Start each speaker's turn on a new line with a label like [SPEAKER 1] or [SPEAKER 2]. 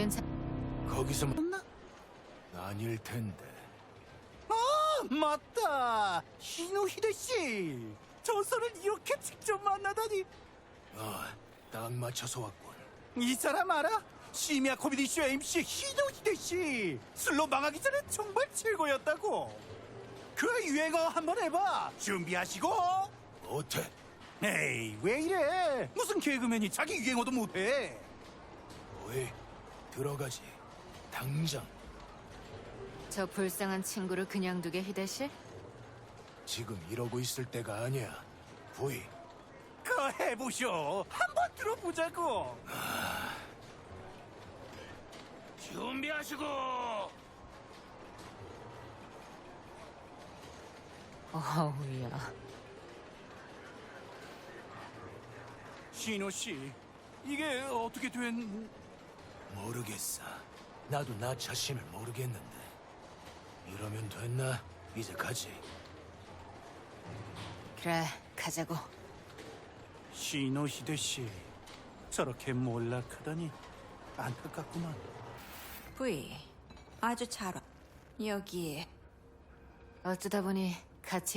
[SPEAKER 1] 거기서 아닐 텐데.
[SPEAKER 2] 아, 맞다. 히노히데 씨. 전설을 이렇게 직접 만나다니.
[SPEAKER 1] 딱 맞춰서 왔군.
[SPEAKER 2] 이 사람 알아? 시미야 코미디 쇼 MC 히노히데 씨. 술로 망하기 전에 정말 최고였다고. 그 유행어 한번 해봐. 준비하시고.
[SPEAKER 1] 못해.
[SPEAKER 2] 에이, 왜 이래? 무슨 개그맨이 자기 유행어도 못해?
[SPEAKER 1] 뭐해? 들어가지. 당장.
[SPEAKER 3] 저 불쌍한 친구를 그냥 두게, 히데시?
[SPEAKER 1] 지금 이러고 있을 때가 아니야. 부이.
[SPEAKER 2] 그 해보쇼. 한번 들어보자고.
[SPEAKER 1] 준비하시고.
[SPEAKER 3] 어우야.
[SPEAKER 2] 신호 씨, 이게 어떻게 된?
[SPEAKER 1] 모르겠어. 나도 나 자신을 모르겠는데. 이러면 됐나? 이제 가지.
[SPEAKER 3] 그래, 가자고.
[SPEAKER 2] 신호시대 씨, 저렇게 몰락하다니 안타깝구만.
[SPEAKER 4] 부이, 아주 잘 와. 여기에
[SPEAKER 3] 어쩌다 보니 같이